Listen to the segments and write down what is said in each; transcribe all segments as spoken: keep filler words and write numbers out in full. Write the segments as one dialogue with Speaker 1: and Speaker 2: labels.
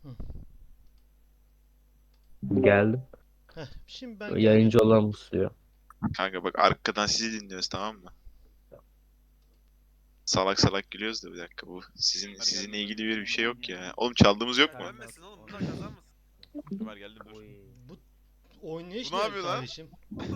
Speaker 1: Hı.
Speaker 2: Geldim.
Speaker 1: Heh, şimdi ben geldim.
Speaker 2: Yayıncı olan musluyor.
Speaker 3: Kanka bak arkadan sizi dinliyoruz, tamam mı? Salak salak gülüyoruz da bir dakika, bu sizin sizinle ilgili bir bir şey yok ya. Oğlum çaldığımız yok mu?
Speaker 4: Ölmesin oğlum, bunlar kazanmasın. Ömer geldim dur.
Speaker 1: Bu oynayış
Speaker 4: Bu ne
Speaker 1: ne
Speaker 4: yapıyor lan?
Speaker 1: kardeşim?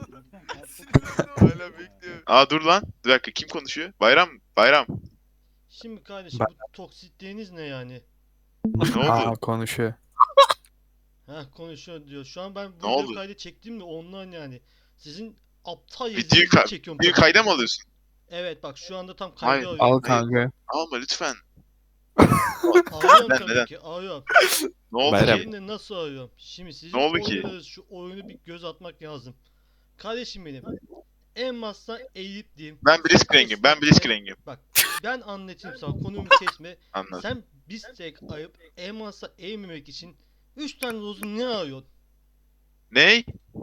Speaker 4: Hala bekliyor.
Speaker 3: Aa dur lan. Bir dakika, kim konuşuyor? Bayram. Bayram.
Speaker 1: Şimdi kardeşim
Speaker 5: Bak.
Speaker 1: bu toksitliğiniz ne yani?
Speaker 3: Ne
Speaker 5: Aa
Speaker 3: oldu?
Speaker 5: konuşuyor.
Speaker 1: Heh konuşuyor diyor. Şu an ben
Speaker 3: Ne
Speaker 1: video
Speaker 3: oldu?
Speaker 1: kaydı çektim de ondan yani. Sizin aptal
Speaker 3: Videoyu,
Speaker 1: yazınızı
Speaker 3: ka
Speaker 1: çekiyorum.
Speaker 3: videoyu
Speaker 1: tabii.
Speaker 3: kayda mı alıyorsun?
Speaker 1: Evet bak şu anda tam
Speaker 3: Hayır.
Speaker 1: kaydı
Speaker 5: Al
Speaker 1: alıyorum.
Speaker 5: kanka.
Speaker 3: Alma lütfen.
Speaker 1: Alıyorum
Speaker 3: Neden,
Speaker 1: tabii
Speaker 3: neden?
Speaker 1: ki alıyorum.
Speaker 3: Ne oldu
Speaker 5: Bayram.
Speaker 3: ki?
Speaker 1: Hem de nasıl alıyorum? Şimdi sizin
Speaker 3: Ne oldu ki?
Speaker 1: oynadığınız şu oyunu bir göz atmak lazım. Kardeşim benim. En başta eğip diyeyim.
Speaker 3: Ben Blitzcrank'im. Ben Blitzcrank'im.
Speaker 1: Bak ben anlatayım sana konumu kesme.
Speaker 3: Anladım.
Speaker 1: Sen bir tek ayıp elmasa eğmemek için üç tane rozu ne arıyorsun?
Speaker 3: Ney?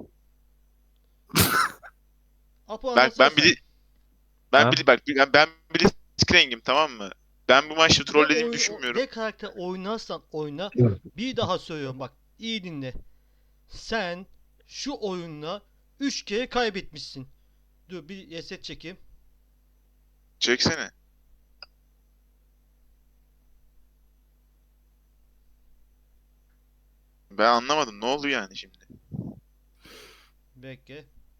Speaker 1: Apo
Speaker 3: Bak
Speaker 1: anlatsana
Speaker 3: ben
Speaker 1: sen.
Speaker 3: bili ben
Speaker 2: Ha?
Speaker 3: bili bak ben, ben Blitzcrank'im, tamam mı? Ben bu maçta
Speaker 1: Ne
Speaker 3: trollediğimi
Speaker 1: oyun-
Speaker 3: düşünmüyorum.
Speaker 1: Ne karakter oynarsan oyna. Bir daha söylüyorum bak. İyi dinle. Sen şu oyunla üç kere kaybetmişsin. Dur bir reset çekeyim.
Speaker 3: Çeksene. Ben anlamadım. Ne oldu yani şimdi?
Speaker 1: Bekle.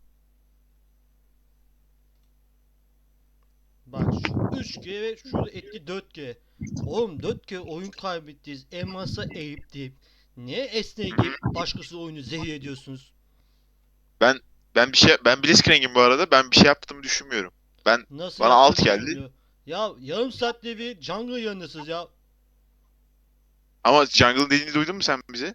Speaker 1: Bak şu üç kere ve şurada etti dört kere. Oğlum dört kere oyun kaybettiyiz. Elmas'a eğip deyip. Niye esneye giyip başkası oyunu zehir ediyorsunuz?
Speaker 3: Ben ben bir şey ben Blitzcrank'im bu arada. Ben bir şey yaptığımı düşünmüyorum. Ben
Speaker 1: Nasıl
Speaker 3: bana alt
Speaker 1: yaptığını
Speaker 3: geldi.
Speaker 1: düşünüyor. Ya yarım saatte bir jungle yanındasınız ya.
Speaker 3: Ama Jungle'ın dediğini duydun mu sen bize?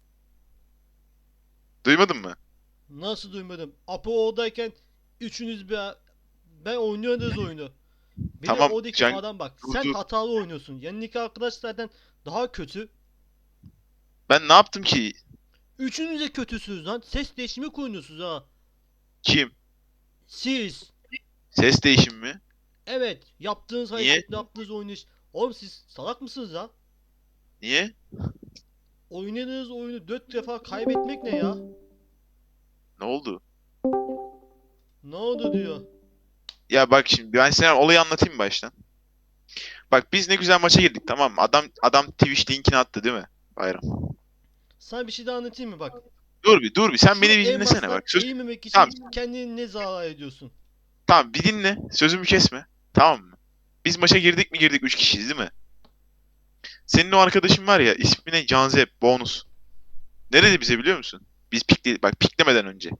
Speaker 3: Duymadın mı?
Speaker 1: Nasıl duymadım? Apo oradayken üçünüz bir ben oynuyordunuz oyunu. Bir de
Speaker 3: Tamam,
Speaker 1: oradaki
Speaker 3: Jung-
Speaker 1: adam bak.
Speaker 3: dur,
Speaker 1: Sen
Speaker 3: dur.
Speaker 1: hatalı oynuyorsun. Yanındaki arkadaşlardan daha kötü.
Speaker 3: Ben ne yaptım ki?
Speaker 1: Üçünüz de kötüsünüz lan. Ses değişimi koyuyorsunuz ha.
Speaker 3: Kim?
Speaker 1: Siz.
Speaker 3: Ses değişimi mi?
Speaker 1: Evet. Yaptığınız
Speaker 3: Niye?
Speaker 1: hareket, yaptığınız oynayış. Oğlum siz salak mısınız ya?
Speaker 3: Niye?
Speaker 1: Oynadığınız oyunu dört defa kaybetmek ne ya?
Speaker 3: Ne oldu?
Speaker 1: Ne oldu diyor.
Speaker 3: Ya bak şimdi ben sana olayı anlatayım baştan. Bak biz ne güzel maça girdik, tamam mı? Adam adam Twitch linkini attı değil mi? Bayram.
Speaker 1: Sana bir şey daha anlatayım mı bak.
Speaker 3: Dur bir dur bir sen
Speaker 1: Şu
Speaker 3: beni bir
Speaker 1: en
Speaker 3: dinlesene
Speaker 1: baştan
Speaker 3: bak. Söz
Speaker 1: eğmemek için
Speaker 3: Tamam.
Speaker 1: kendini ne zarar ediyorsun?
Speaker 3: tamam bir dinle. Sözümü kesme. Tamam mı? Biz maça girdik mi girdik, üç kişiyiz değil mi? Senin o arkadaşın var ya, ismi ne? Canzep bonus. Ne dedi bize biliyor musun? Biz pikle bak piklemeden önce.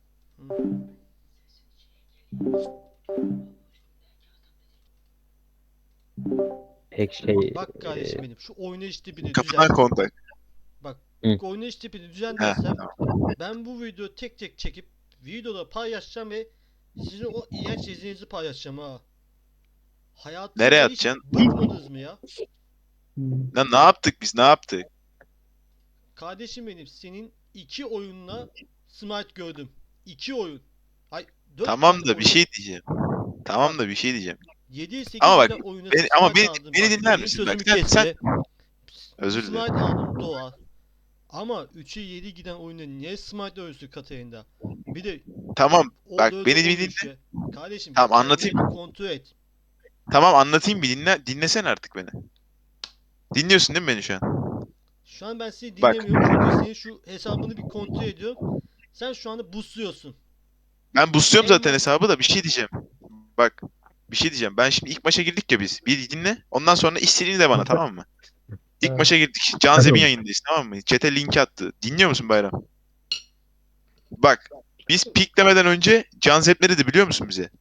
Speaker 2: Pek şey...
Speaker 1: Bak kardeşim
Speaker 2: e,
Speaker 1: benim şu oynayış tipini
Speaker 3: Kapıdan
Speaker 1: düzen.
Speaker 3: kontak.
Speaker 1: Bak
Speaker 2: Hı.
Speaker 1: oynayış tipini
Speaker 3: Heh,
Speaker 1: düzenlersem ben bu videoyu tek tek çekip videoda paylaşacağım ve sizin o iğrenç izinizi paylaşacağım ha. Hayatınızda
Speaker 3: Nereye
Speaker 1: hiç
Speaker 3: atacaksın?
Speaker 1: bıkmadınız mı ya?
Speaker 3: Lan ne yaptık biz, ne yaptık?
Speaker 1: Kardeşim benim senin iki oyunla smite gördüm. İki oyun. Ay dört
Speaker 3: Tamam
Speaker 1: tane
Speaker 3: da bir
Speaker 1: oyun.
Speaker 3: şey diyeceğim. Tamam da bir şey diyeceğim.
Speaker 1: yedi sekiz
Speaker 3: Ama bak,
Speaker 1: tane oyuna
Speaker 3: beni- ama
Speaker 1: smite
Speaker 3: beni-
Speaker 1: aldım.
Speaker 3: beni
Speaker 1: Bak,
Speaker 3: dinler
Speaker 1: benim
Speaker 3: misin? Bak,
Speaker 1: sözümü
Speaker 3: sen-
Speaker 1: kesme.
Speaker 3: Özür
Speaker 1: Smite
Speaker 3: dilerim.
Speaker 1: aldım doğal. Ama üçe yedi giden oyuna niye smite ölçtü Katarina? Bir de
Speaker 3: Tamam
Speaker 1: o
Speaker 3: bak,
Speaker 1: dördü
Speaker 3: beni bir
Speaker 1: on
Speaker 3: dinle.
Speaker 1: üçe. Kardeşim
Speaker 3: Tamam,
Speaker 1: kendini
Speaker 3: anlatayım.
Speaker 1: bir kontrol et.
Speaker 3: Tamam anlatayım, bir dinle. Dinlesene artık beni. Dinliyorsun değil mi beni şu an?
Speaker 1: Şu an ben seni
Speaker 3: Bak.
Speaker 1: dinlemiyorum çünkü senin şu hesabını bir kontrol ediyorum. Sen şu anda busluyorsun.
Speaker 3: Ben boostluyorum zaten
Speaker 1: Elmas-
Speaker 3: hesabı da, bir şey diyeceğim. Bak bir şey diyeceğim. Ben şimdi ilk maça girdik ya biz. Bir dinle. Ondan sonra istediğini de bana, tamam mı? İlk maça girdik. Canzeb'in yayındayız, tamam mı? Chat'e link attı. Dinliyor musun Bayram? Bak biz piklemeden önce Canzeb ne dedi biliyor musun bize?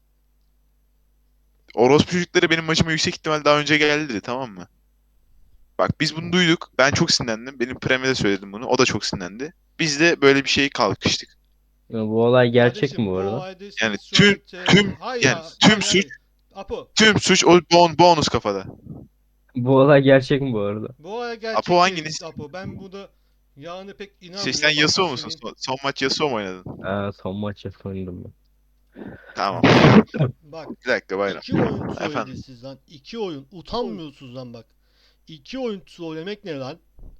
Speaker 3: Orospu çocukları benim maçıma yüksek ihtimal daha önce geldi dedi, tamam mı? Bak biz bunu duyduk. Ben çok sinirlendim. Benim Prem'e de söyledim bunu. O da çok sinirlendi. Biz de böyle bir şeye kalkıştık.
Speaker 2: Bu olay gerçek
Speaker 1: Kardeşim,
Speaker 2: mi bu arada?
Speaker 1: olayda siz
Speaker 3: Yani
Speaker 1: şu
Speaker 3: tüm-
Speaker 1: an te-
Speaker 3: tüm-
Speaker 1: Hayır
Speaker 3: yani
Speaker 1: ya,
Speaker 3: tüm
Speaker 1: hayır,
Speaker 3: suç-
Speaker 1: hayır. Apo,
Speaker 3: Tüm suç o bon bonus kafada.
Speaker 2: Bu olay gerçek mi bu arada?
Speaker 1: bu olay gerçek
Speaker 3: Apo
Speaker 1: değil,
Speaker 3: hanginiz?
Speaker 1: Apo. Ben burada yani pek
Speaker 3: Şey,
Speaker 1: inanmıyorum.
Speaker 3: sen
Speaker 1: Bak,
Speaker 3: Yasuo musun?
Speaker 1: senin-
Speaker 3: Son, son maç Yasuo mu oynadın?
Speaker 2: Aa, son maç yapıldım ben.
Speaker 3: Tamam.
Speaker 1: Bak,
Speaker 3: Bir dakika Bayram.
Speaker 1: iki oyun
Speaker 3: Efendim.
Speaker 1: trollediniz siz lan. İki oyun. Utanmıyorsunuz lan bak. İki oyun trollemek ne lan?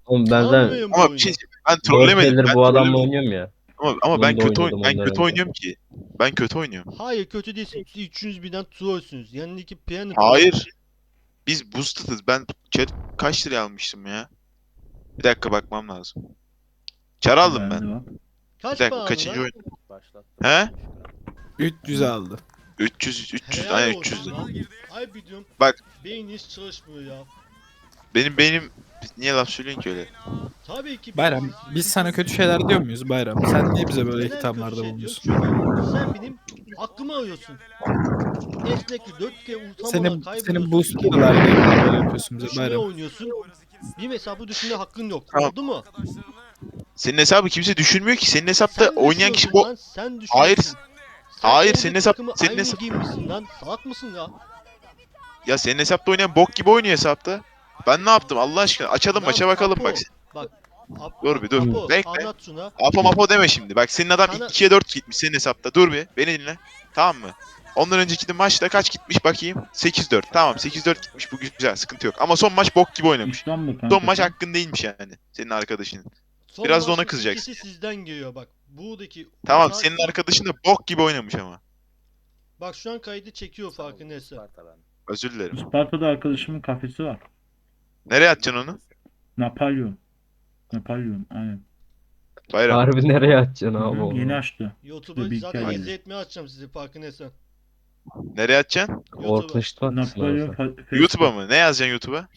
Speaker 2: Oğlum ben zaten
Speaker 1: Tanımıyorum bu
Speaker 3: Ama bir
Speaker 1: oyunu.
Speaker 3: şey diyeyim, ben
Speaker 2: dört
Speaker 3: trollemedim.
Speaker 2: senedir
Speaker 3: Ben
Speaker 2: bu adamla
Speaker 3: trollemedim.
Speaker 2: oynuyorum ya.
Speaker 3: Ama, ama
Speaker 2: Bunu
Speaker 3: ben
Speaker 2: da
Speaker 3: kötü oyn
Speaker 2: oynadım
Speaker 3: ben
Speaker 2: ondan
Speaker 3: kötü
Speaker 2: önce.
Speaker 3: oynuyorum ki. Ben kötü oynuyorum.
Speaker 1: Hayır kötü değilsin. Siz üçünüz birden trollsünüz. Yanındaki piano
Speaker 3: Hayır. Biz boosted'ız. Ben chat kaç liraya almıştım ya? Bir dakika bakmam lazım. Çar aldım
Speaker 5: Bende
Speaker 3: ben.
Speaker 5: var.
Speaker 3: Bir
Speaker 1: Kaç
Speaker 3: dakika
Speaker 1: para aldın
Speaker 3: kaçıncı
Speaker 1: lan?
Speaker 3: oyun? He?
Speaker 6: üç yüz aldı.
Speaker 3: üç yüz üç yüz
Speaker 1: Helal
Speaker 3: aynen
Speaker 1: olsun
Speaker 3: üç yüz.
Speaker 1: lan. Ay biliyorum.
Speaker 3: Bak.
Speaker 1: Beyniniz çalışmıyor ya.
Speaker 3: Benim benim niye laf söylüyorsun ki öyle?
Speaker 1: Tabii ki
Speaker 6: Bayram
Speaker 1: beyniniz-
Speaker 6: biz sana kötü şeyler diyor muyuz Bayram? Sen niye bize böyle
Speaker 1: Neden
Speaker 6: hitaplarda
Speaker 1: kötü şey
Speaker 6: bulunuyorsun?
Speaker 1: diyorsun? Çünkü sen benim hakkımı arıyorsun. Esnekli dört kere utanmadan
Speaker 6: Senin
Speaker 1: kaybediyorsun.
Speaker 6: senin
Speaker 1: İki
Speaker 6: boosterlar niye böyle yapıyorsun bize
Speaker 1: düşünmeye
Speaker 6: Bayram?
Speaker 1: oynuyorsun. Bir hesabı düşünme hakkın yok.
Speaker 3: Tamam.
Speaker 1: Oldu mu?
Speaker 3: Senin hesabı kimse düşünmüyor ki. Senin hesapta
Speaker 1: Sen
Speaker 3: oynayan kişi
Speaker 1: düşünüyorsun
Speaker 3: bu.
Speaker 1: lan, sen
Speaker 3: Hayır.
Speaker 1: düşünüyorsun.
Speaker 3: Hayır,
Speaker 1: kendi
Speaker 3: senin hesap-
Speaker 1: takımı
Speaker 3: senin
Speaker 1: aynı
Speaker 3: hesap-
Speaker 1: giymişsin lan. Salak mısın ya?
Speaker 3: Ya senin hesapta oynayan bok gibi oynuyor hesapta. Ben ne yaptım Allah aşkına? Açalım
Speaker 1: Lan
Speaker 3: maça bakalım
Speaker 1: Apo,
Speaker 3: bak.
Speaker 1: Bak. Ap-
Speaker 3: Dur bir dur.
Speaker 1: Apo,
Speaker 3: Bekle.
Speaker 1: anlat şuna.
Speaker 3: Apo mapo deme şimdi. Bak senin adam
Speaker 1: Sana-
Speaker 3: ikiye dört gitmiş senin hesapta. Dur bir. Beni dinle. Tamam mı? Ondan önceki de maçta kaç gitmiş bakayım? sekiz dört. Tamam sekiz dört gitmiş. Bu güzel. Sıkıntı yok. Ama son maç bok gibi oynamış.
Speaker 5: Üçten mi kanka?
Speaker 3: Son maç
Speaker 5: sen?
Speaker 3: hakkın değilmiş yani. Senin arkadaşının.
Speaker 1: Son
Speaker 3: Biraz da ona
Speaker 1: maçın
Speaker 3: kızacaksın.
Speaker 1: ikisi sizden geliyor bak. Buradaki
Speaker 3: Tamam
Speaker 1: Uğur-
Speaker 3: senin arkadaşın da bok gibi oynamış ama.
Speaker 1: Bak şu an kaydı çekiyor farkındaysa.
Speaker 3: Özür dilerim.
Speaker 5: Isparta'da arkadaşımın kafesi var.
Speaker 3: Nereye atacaksın onu?
Speaker 5: Napolyon. Napolyon aynen.
Speaker 3: Bayram.
Speaker 2: Harbi nereye atacaksın
Speaker 5: Hı
Speaker 2: abi
Speaker 5: hı,
Speaker 2: onu?
Speaker 5: yeni açtı.
Speaker 1: YouTube'a
Speaker 5: Bir
Speaker 1: zaten
Speaker 5: hikaye.
Speaker 1: izle etmeye açacağım sizi farkındaysan.
Speaker 3: Nereye atacaksın?
Speaker 1: YouTube'a.
Speaker 2: Orklaştı atsın
Speaker 5: Napolyon
Speaker 2: abi.
Speaker 5: fa- Facebook.
Speaker 3: YouTube'a mı? Ne yazacaksın YouTube'a?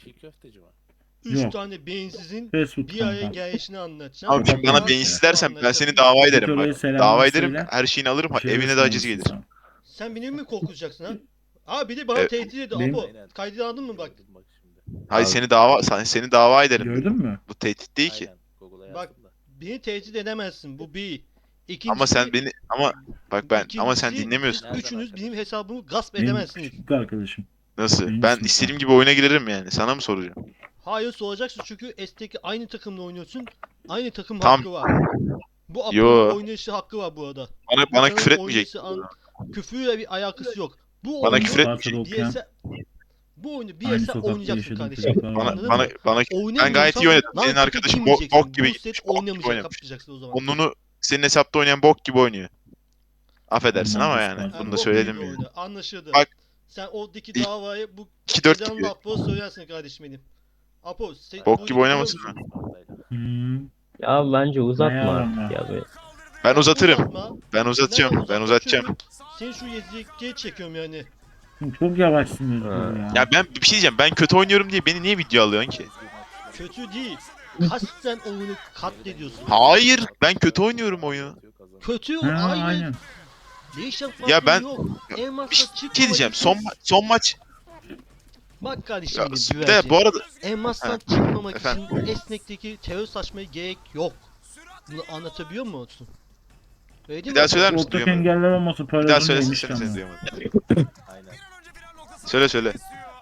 Speaker 1: Üç
Speaker 5: Yok.
Speaker 1: tane beyinsizin
Speaker 5: Facebook
Speaker 1: bir araya
Speaker 5: kanka.
Speaker 1: gelişini anlatacağım.
Speaker 3: Abi şimdi bana
Speaker 5: Tamam.
Speaker 3: beyinsiz dersen ben seni
Speaker 1: Anlatacağım.
Speaker 3: dava
Speaker 5: Git
Speaker 3: ederim
Speaker 5: oraya
Speaker 3: bak.
Speaker 5: selamını
Speaker 3: Dava ederim.
Speaker 5: söyle.
Speaker 3: Her şeyini alırım.
Speaker 5: Bir şey
Speaker 3: Evine de aciz
Speaker 5: ısmarlasın
Speaker 3: gelir.
Speaker 5: sana.
Speaker 1: Sen beni mi korkutacaksın ha? Abi bir de bana
Speaker 3: Evet.
Speaker 1: tehdit ediyor.
Speaker 5: Benim-
Speaker 1: Apo kaydını aldın mı bak.
Speaker 3: Hayır
Speaker 2: Abi.
Speaker 3: seni dava sen- seni dava ederim.
Speaker 5: Gördün mü?
Speaker 3: Bu tehdit değil ki.
Speaker 1: Bak beni tehdit edemezsin bu bir. İkincisi,
Speaker 3: Ama sen beni ama bak ben ama sen
Speaker 1: ikincisi,
Speaker 3: dinlemiyorsun.
Speaker 1: siz üçünüz benim hesabımı gasp
Speaker 5: Benim
Speaker 1: edemezsiniz.
Speaker 5: küçük arkadaşım.
Speaker 3: Nasıl?
Speaker 5: benim
Speaker 3: Ben
Speaker 5: için
Speaker 3: istediğim gibi oyuna girerim yani. Sana mı soracağım?
Speaker 1: Hayır soracaksın çünkü S'teki aynı takımla oynuyorsun. Aynı takım
Speaker 3: Tam-
Speaker 1: hakkı var. Bu
Speaker 3: Yo.
Speaker 1: Apo'nun oynayışı hakkı var bu arada.
Speaker 3: Bana bana
Speaker 1: İnsanın
Speaker 3: küfür etmeyecek.
Speaker 1: oynayışı an- küfürle bir alakası yok. Bu
Speaker 3: Bana
Speaker 1: oyunu
Speaker 3: küfür etmeyecek.
Speaker 5: Isparta'da okuyan
Speaker 1: B S bu oyunu
Speaker 5: aynı
Speaker 1: B S
Speaker 5: sokakta
Speaker 1: oynayacaksın
Speaker 5: yaşadığım
Speaker 1: kardeşim.
Speaker 5: çocuklar var.
Speaker 3: Bana
Speaker 1: Anladın
Speaker 3: bana
Speaker 1: mı?
Speaker 3: bana ben gayet iyi
Speaker 1: Oynamıyorsan
Speaker 3: oynadım.
Speaker 1: lan
Speaker 3: Senin
Speaker 1: takım
Speaker 3: arkadaşın bok,
Speaker 1: giymeyeceksin.
Speaker 3: bok gibi
Speaker 1: Bu set
Speaker 3: gitmiş. Bok gibi
Speaker 1: oynamayacak
Speaker 3: oynamış.
Speaker 1: yapacaksın o zaman.
Speaker 3: Onunu senin hesapta oynayan bok gibi oynuyor. Affedersin
Speaker 5: Ondan
Speaker 3: ama
Speaker 5: da
Speaker 3: yani.
Speaker 5: Isparta.
Speaker 3: Bunu
Speaker 1: Yani
Speaker 3: da
Speaker 1: bok
Speaker 3: söyledim
Speaker 1: gibi
Speaker 3: yani.
Speaker 1: oyna. Anlaşıldı.
Speaker 3: Bak.
Speaker 1: Sen oradaki
Speaker 3: İlk-
Speaker 1: davayı bu
Speaker 3: iki dört
Speaker 1: Sedan
Speaker 3: gibi.
Speaker 1: Apo'ya söylersin kardeşim benim. Apo, sen
Speaker 3: Bok
Speaker 1: bu
Speaker 3: gibi
Speaker 1: biliyor
Speaker 3: oynamasın
Speaker 1: musun?
Speaker 3: lan.
Speaker 5: Hmm.
Speaker 2: Ya bence uzatma
Speaker 5: Bayağı
Speaker 2: artık
Speaker 5: ama.
Speaker 2: ya be.
Speaker 3: Ben uzatırım.
Speaker 1: Uzatma.
Speaker 3: Ben uzatacağım.
Speaker 1: Neden
Speaker 3: Ben
Speaker 1: uzatma?
Speaker 3: uzatacağım.
Speaker 1: Çünkü Seni şu yezikliğe çekiyorum yani.
Speaker 5: Çok yavaşsın Özgür
Speaker 2: Ha.
Speaker 5: ya.
Speaker 3: Ya ben bir şey diyeceğim. Ben kötü oynuyorum diye beni niye video alıyorsun ki?
Speaker 1: Kötü değil. Kasten oyunu katlediyorsun.
Speaker 3: Hayır. Ben kötü oynuyorum oyunu.
Speaker 1: Kötü
Speaker 5: Ha,
Speaker 1: aynen.
Speaker 5: aynen.
Speaker 1: Değişen
Speaker 3: Ya
Speaker 1: farkı
Speaker 3: ben-
Speaker 1: yok. Elmasla
Speaker 3: Bir şey
Speaker 1: çıkmamak
Speaker 3: diyeceğim.
Speaker 1: için-
Speaker 3: Son ma- son maç.
Speaker 1: Bak kardeşim
Speaker 3: Ya,
Speaker 1: benim
Speaker 3: de
Speaker 1: güvercin.
Speaker 3: bu arada
Speaker 1: Elmastan
Speaker 3: Ha.
Speaker 1: çıkmamak
Speaker 3: Efendim?
Speaker 1: için esnekteki terör saçmaya gerek yok. Bunu anlatabiliyor musun? Öyle değil
Speaker 3: bir
Speaker 1: mi?
Speaker 3: daha söyler misin?
Speaker 5: Ortak
Speaker 3: Duyamadım.
Speaker 5: engelleme olması
Speaker 3: Bir daha
Speaker 5: parazın
Speaker 3: söylesin
Speaker 5: neymiş
Speaker 3: seni seni
Speaker 5: ama.
Speaker 3: duyamadım. Söyle söyle.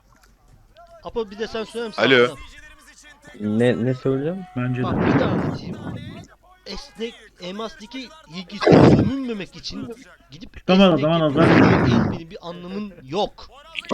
Speaker 1: Apo bir de sen söyler misin?
Speaker 3: Alo.
Speaker 1: Aslan?
Speaker 2: Ne ne söyleyeceğim?
Speaker 5: Bence
Speaker 1: Bak
Speaker 5: de.
Speaker 1: bir daha anlatayım. Esnek elmastaki ilgisi gömülmemek için gidip
Speaker 5: Tamam,
Speaker 1: esnek
Speaker 5: tamam,
Speaker 1: yapıp
Speaker 5: tamam.
Speaker 1: ezmenin bir anlamın yok.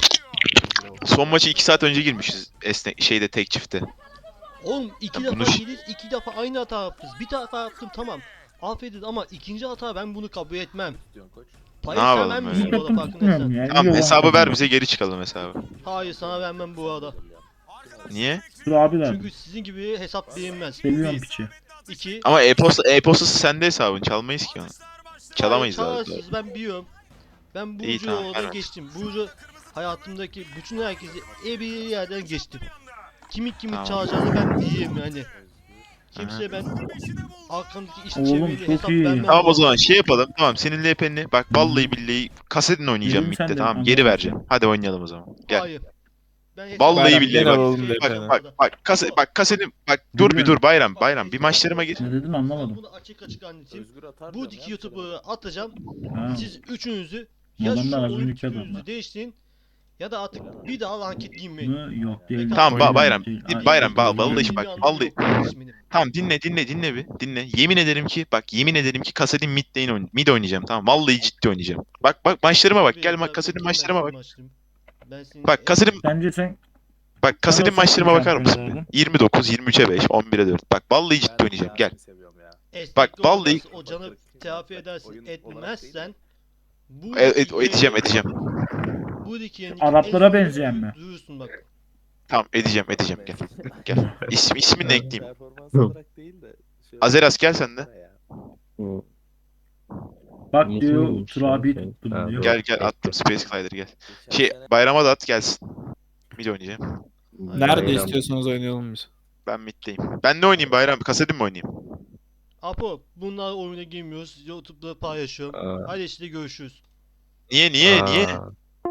Speaker 3: Son maçı iki saat önce girmişiz. Esnek şeyde tek çifte.
Speaker 1: Oğlum iki
Speaker 3: Ya
Speaker 1: defa
Speaker 3: bunu-
Speaker 1: yediz, iki defa aynı hata yaptınız. Bir hata yaptım tamam. Affedin ama ikinci hata ben bunu kabul etmem. Payı
Speaker 3: Ne
Speaker 1: sen
Speaker 3: yapalım
Speaker 1: vermiyorsun
Speaker 3: öyle?
Speaker 1: bu arada farkındaysan.
Speaker 5: Ya,
Speaker 3: Tamam
Speaker 5: iyi
Speaker 3: hesabı
Speaker 5: olan
Speaker 3: ver
Speaker 5: kazanır.
Speaker 3: bize geri çıkalım hesabı.
Speaker 1: Hayır sana vermem bu arada.
Speaker 3: Niye?
Speaker 5: Dur abiler.
Speaker 1: Çünkü sizin gibi hesap verilmez.
Speaker 5: Seviyorum
Speaker 1: Bir.
Speaker 5: piçi.
Speaker 1: İki.
Speaker 3: Ama e-posta e-postası sende hesabın. Çalmayız ki onu. Çalamayız
Speaker 1: Hayır,
Speaker 3: zaten.
Speaker 1: çalarsınız, ben biliyorum. Ben
Speaker 3: İyi,
Speaker 1: Burcu'yu
Speaker 3: tamam,
Speaker 1: oradan
Speaker 3: ver.
Speaker 1: geçtim. Burcu hayatımdaki bütün herkesi e bir yerden geçtim. Kimin kimi
Speaker 3: Tamam.
Speaker 1: çalacağını ben biliyorum yani.
Speaker 3: Aha.
Speaker 1: Kimseye ben arkamdaki iş
Speaker 5: Oğlum,
Speaker 1: çevreli
Speaker 5: çok
Speaker 1: hesap
Speaker 5: iyi.
Speaker 1: vermem.
Speaker 3: Tamam o zaman şey yapalım. Tamam senin L P'ni bak vallahi billahi kasetin oynayacağım
Speaker 5: Yedim sen
Speaker 3: midde
Speaker 5: de,
Speaker 3: tamam
Speaker 5: anladım.
Speaker 3: geri vereceğim. Hadi oynayalım o zaman. Gel.
Speaker 1: Hayır. Ben hesap
Speaker 3: Vallahi
Speaker 1: vermem.
Speaker 3: billahi
Speaker 6: bak.
Speaker 1: Hiçbir
Speaker 6: Bak,
Speaker 1: şey
Speaker 3: Bak
Speaker 1: yok
Speaker 3: bak
Speaker 1: orada.
Speaker 3: bak kase bak kasetin bak dur bir
Speaker 5: Bilmiyorum.
Speaker 3: dur bayram bayram bir maçlarıma gir.
Speaker 5: Ne dedin
Speaker 1: Ben
Speaker 5: anlamadım.
Speaker 1: bunu açık açık anlatayım. Bu iki YouTuber'ı atacağım.
Speaker 5: Ha.
Speaker 1: Siz üçünüzü
Speaker 5: Bu
Speaker 1: ya
Speaker 5: adamlar
Speaker 1: şu
Speaker 5: az
Speaker 1: oyun
Speaker 5: önceki
Speaker 1: tipinizi
Speaker 5: adamlar.
Speaker 1: değiştirin ya da artık bir daha ranket girmeyin.
Speaker 5: Mı? Yok değil.
Speaker 3: Tamam, ba- bayram.
Speaker 5: Değil.
Speaker 3: Di-
Speaker 5: Ay,
Speaker 3: bayram,
Speaker 5: yok,
Speaker 3: ba-
Speaker 5: yok,
Speaker 3: vallahi
Speaker 5: yok.
Speaker 3: bak,
Speaker 1: Bir anlamı
Speaker 3: vallahi-
Speaker 1: yok kardeşim benim.
Speaker 3: Tamam dinle dinle dinle bir dinle. Yemin ederim ki bak yemin ederim ki kasetin mid lane oyn mid oynayacağım tamam. Vallahi ciddi oynayacağım. Bak bak maçlarıma bak
Speaker 1: Tabii,
Speaker 3: gel
Speaker 1: tabii,
Speaker 3: bak kasetin
Speaker 1: bakayım
Speaker 3: maçlarıma
Speaker 1: ben
Speaker 3: bak.
Speaker 1: senin maçlarına. Ben senin
Speaker 3: Bak kasetin
Speaker 5: Bence sen
Speaker 3: Bak kasetin
Speaker 5: Nasıl
Speaker 3: maçlarıma bakar mısın?
Speaker 5: şampiyonlardan?
Speaker 3: yirmi dokuz, yirmi üçe beş, on bire dört. Bak vallahi ciddi oynayacağım. Gel.
Speaker 1: Esnekli
Speaker 3: Bak, vallahi-
Speaker 1: oynarsan o canı telafi edersin. Etmezsen bu
Speaker 3: E, et-
Speaker 1: iki
Speaker 3: edeceğim,
Speaker 1: yeni-
Speaker 3: edeceğim.
Speaker 1: Bu iki yeni
Speaker 5: Araplara
Speaker 1: en son
Speaker 5: benzeyen mi?
Speaker 1: Duyursun bak.
Speaker 3: Tamam edeceğim, edeceğim. Gel. Gel. İsmi, ismini de ekleyeyim.
Speaker 7: Performans olarak değil de. şöyle-
Speaker 3: Azeras gel sen de.
Speaker 7: Ya.
Speaker 2: Bu
Speaker 5: Bak
Speaker 2: nasıl
Speaker 5: diyor
Speaker 2: olmuş
Speaker 5: Turabi
Speaker 2: ya şey?
Speaker 5: tuttum
Speaker 2: Ha,
Speaker 5: diyor.
Speaker 2: doğru.
Speaker 3: Gel gel attım Space Glider gel.
Speaker 7: Geçen
Speaker 3: Şey
Speaker 7: sene-
Speaker 3: bayrama da at gelsin. Mid oynayacağım.
Speaker 6: Nerede
Speaker 2: Bayram-
Speaker 6: istiyorsanız oynayalım biz.
Speaker 3: Ben middeyim. Ben ne oynayayım bayram? Kasetim mi oynayayım?
Speaker 1: Apo bunlar oyuna girmiyoruz. YouTube'da paylaşıyorum.
Speaker 2: Aa,
Speaker 1: Hadi işte görüşürüz.
Speaker 3: Niye niye niye?
Speaker 2: aa.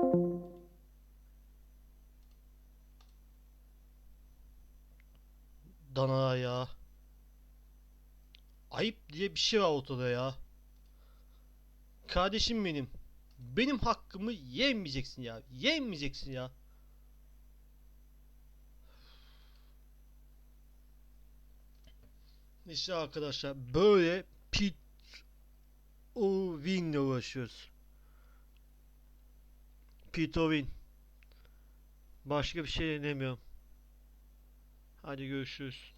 Speaker 1: Dana ya. Ayıp diye bir şey var ortada ya. Kardeşim benim. Benim hakkımı yemeyeceksin ya. Yemeyeceksin ya. İşte arkadaşlar böyle pit o win'le uğraşıyoruz. Pit o win. Başka bir şey demiyorum. Hadi görüşürüz.